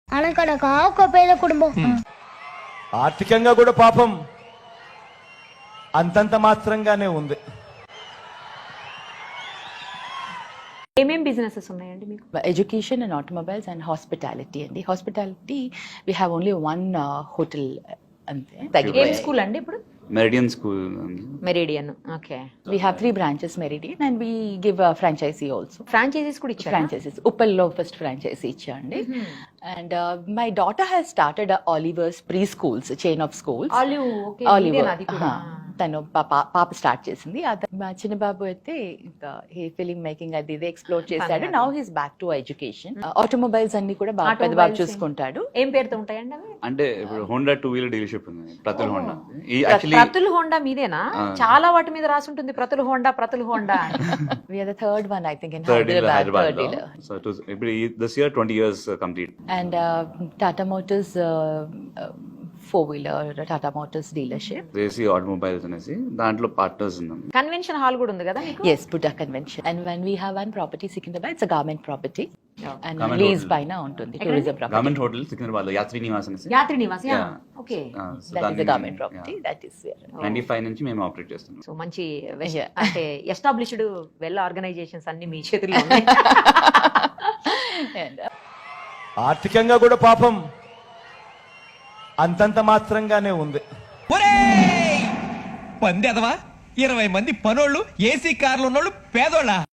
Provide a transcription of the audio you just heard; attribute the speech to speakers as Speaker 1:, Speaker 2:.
Speaker 1: అనకనగా ఒక పేద కుటుంబం.
Speaker 2: ఆర్థికంగా కూడా పాపం అంతంత మాత్రంగానే ఉంది.
Speaker 3: ఏమేం బిజినెసెస్ ఉన్నాయండి మీకు?
Speaker 4: Education and automobiles and hospitality అండి. Hospitality we have only one hotel అంతే.
Speaker 3: ఏం
Speaker 4: తగ్గిపోయాయి.
Speaker 3: స్కూల్ అండి ఇప్పుడు?
Speaker 5: Meridian school.
Speaker 3: Meridian. Okay.
Speaker 4: We have 3 branches Meridian and we give a franchisee also.
Speaker 3: Franchisees కూడా ఇచ్చారా?
Speaker 4: Franchises. Uppallo first franchisee ఇచ్చాండి. And my daughter has started a Oliver's preschools chain of schools.
Speaker 3: Olive. Okay.
Speaker 4: Oliver.
Speaker 3: ఇదేనా అది కూడా?
Speaker 4: తను పాప start చేసింది. మా చిన్న బాబు అయితే ఇంకా ఫిలిం మేకింగ్ అది ఇది ఎక్స్ప్లోర్ చేశాడు. Now he's back to education. Automobiles అన్ని కూడా బాగా పెద్ద బాబు చూసుకుంటాడు.
Speaker 3: ఏం పేరుతో ఉంటాయండి అవి?
Speaker 5: అంటే ఇప్పుడు హోండా 2 వీలర్ డీలర్షిప్ ఉంది, ప్రతుల్ హోండా. ఈ
Speaker 3: ప్రతుల్ హోండా మీదేనా? చాలా వాటి మీద రాసి ఉంటుంది Pratul Honda Pratul Honda.
Speaker 4: We are the third one I think in
Speaker 5: third
Speaker 4: Hyderabad.
Speaker 5: Hyderabad లో. సో ఇట్ వాస్ ఇప్పుడు this year 20 years complete.
Speaker 4: And Tata Motors 4-wheeler Tata Motors dealership.
Speaker 5: Desi automobiles అనేసి దాంట్లో పార్ట్నర్స్ ఉన్నాం.
Speaker 3: కన్వెన్షన్ హాల్ కూడా ఉంది కదా మీకు?
Speaker 4: Yes, Buddha Convention. And when we have one property Secunderabad, it's a garment property. And
Speaker 5: Garment
Speaker 4: lease
Speaker 5: hotel.
Speaker 4: పైన ఉంటుంది tourism property.
Speaker 5: Government hotel Secunderabad లో యాత్రి నివాస్ అనేసి.
Speaker 3: Yatri Nivas.
Speaker 5: Yeah.
Speaker 3: Okay.
Speaker 5: So
Speaker 4: That is
Speaker 5: దాన్ని-
Speaker 4: the garment property.
Speaker 5: yeah.
Speaker 4: That is where.
Speaker 5: 95 నుంచి మేము operate చేస్తున్నాం.
Speaker 3: So మంచి
Speaker 4: Yeah.
Speaker 3: అంటే ఎస్టాబ్లిష్డ్ వెల్ ఆర్గనైజేషన్స్ అన్ని మీ చేతుల్లో ఉన్నాయి.
Speaker 4: And
Speaker 2: ఆర్థికంగా కూడా పాపం అంతంత మాత్రంగానే ఉంది.
Speaker 6: పందెదవా 20 మంది పనోళ్ళు ఏసీ కార్లు ఉన్నోళ్ళు పేదోళ్ళ